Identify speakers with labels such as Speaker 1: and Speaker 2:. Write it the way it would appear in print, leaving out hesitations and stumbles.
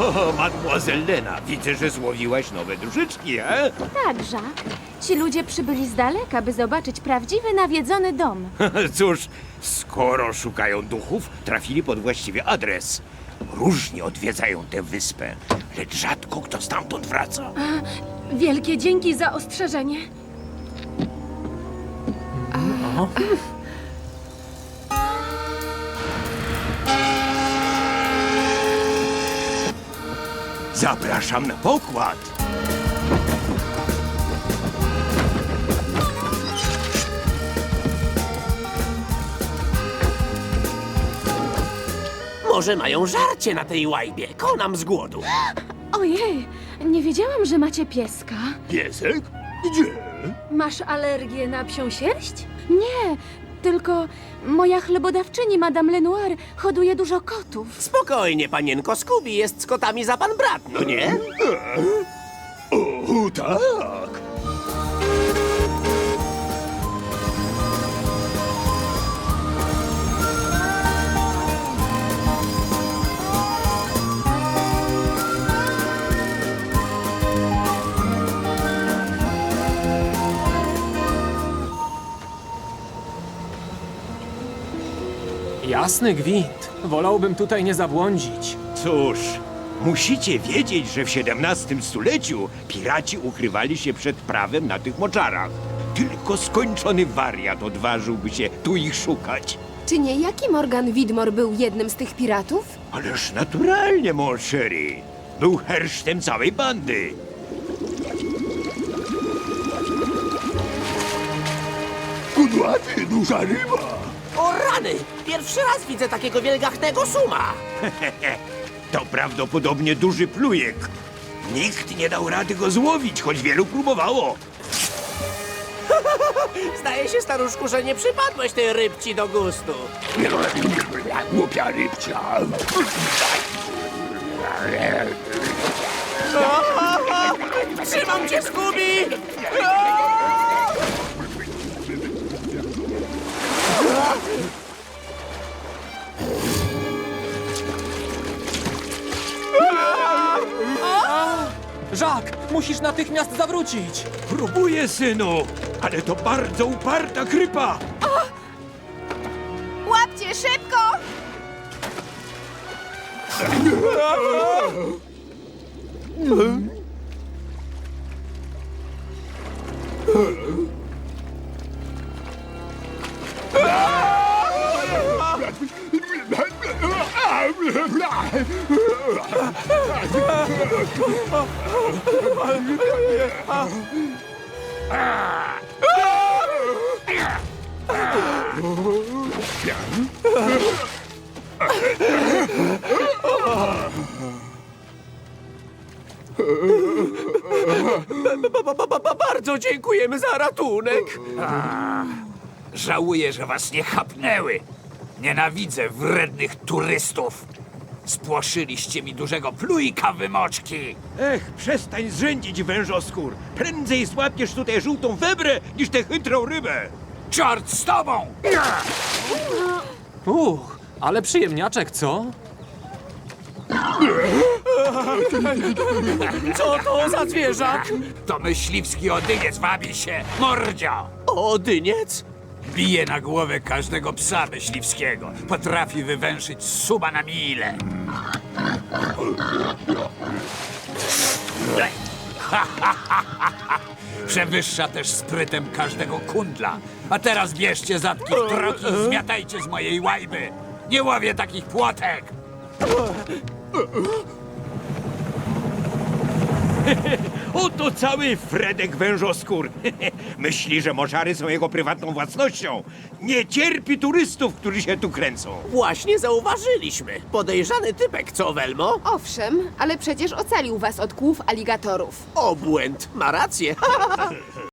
Speaker 1: O, mademoiselle Lena, widzę, że złowiłaś nowe duszyczki,
Speaker 2: Tak, Jacques. Ci ludzie przybyli z daleka, by zobaczyć prawdziwy nawiedzony dom.
Speaker 1: Cóż, skoro szukają duchów, trafili pod właściwy adres. Różnie odwiedzają tę wyspę, lecz rzadko kto stamtąd wraca.
Speaker 2: Wielkie dzięki za ostrzeżenie.
Speaker 1: Zapraszam na pokład.
Speaker 3: Może mają żarcie na tej łajbie. Konam z głodu.
Speaker 2: Ojej, nie wiedziałam, że macie pieska.
Speaker 1: Piesek? Gdzie?
Speaker 2: Masz alergię na psią sierść? Nie, tylko moja chlebodawczyni, Madame Lenoir, hoduje dużo kotów.
Speaker 3: Spokojnie, panienko. Scooby jest z kotami za pan brat, no nie?
Speaker 1: O, tak.
Speaker 4: Jasny gwint. Wolałbym tutaj nie zabłądzić.
Speaker 1: Cóż, musicie wiedzieć, że w XVII stuleciu piraci ukrywali się przed prawem na tych moczarach. Tylko skończony wariat odważyłby się tu ich szukać.
Speaker 5: Czy niejaki Morgan Widmore był jednym z tych piratów?
Speaker 1: Ależ naturalnie, mon chéri. Był hersztem całej bandy. Kudłaty, duża ryba.
Speaker 3: O rany! Pierwszy raz widzę takiego wielgachnego suma.
Speaker 1: To prawdopodobnie duży plujek. Nikt nie dał rady go złowić, choć wielu próbowało.
Speaker 3: Zdaje się, staruszku, że nie przypadłeś tej rybci do gustu.
Speaker 1: Głupia rybcia.
Speaker 3: Trzymam cię, Scooby!
Speaker 4: Jacques, musisz natychmiast zawrócić.
Speaker 1: Próbuję, synu, ale to bardzo uparta krypa.
Speaker 5: Łapcie szybko!
Speaker 3: Bardzo dziękujemy za ratunek.
Speaker 6: Żałuję, że was nie chapnęły. Nienawidzę wrednych turystów. Spłoszyliście mi dużego plujka, wymoczki.
Speaker 1: Ech, przestań zrzędzić, wężoskór. Prędzej złapiesz tutaj żółtą webrę, niż tę chytrą rybę.
Speaker 6: Czort z tobą!
Speaker 4: Ale przyjemniaczek, co?
Speaker 3: Co to za zwierzak?
Speaker 6: To myśliwski odyniec wabi się, mordzio!
Speaker 3: O, dyniec?
Speaker 6: Bije na głowę każdego psa myśliwskiego. Potrafi wywęszyć suba na milę. Przewyższa też sprytem każdego kundla. A teraz bierzcie zatki w troki i zmiatajcie z mojej łajby. Nie łowię takich płotek!
Speaker 1: Oto cały Fredek wężoskór. Myśli, że moczary są jego prywatną własnością. Nie cierpi turystów, którzy się tu kręcą.
Speaker 3: Właśnie zauważyliśmy. Podejrzany typek, co, Welmo?
Speaker 5: Owszem, ale przecież ocalił was od kłów aligatorów.
Speaker 3: Obłęd. Ma rację.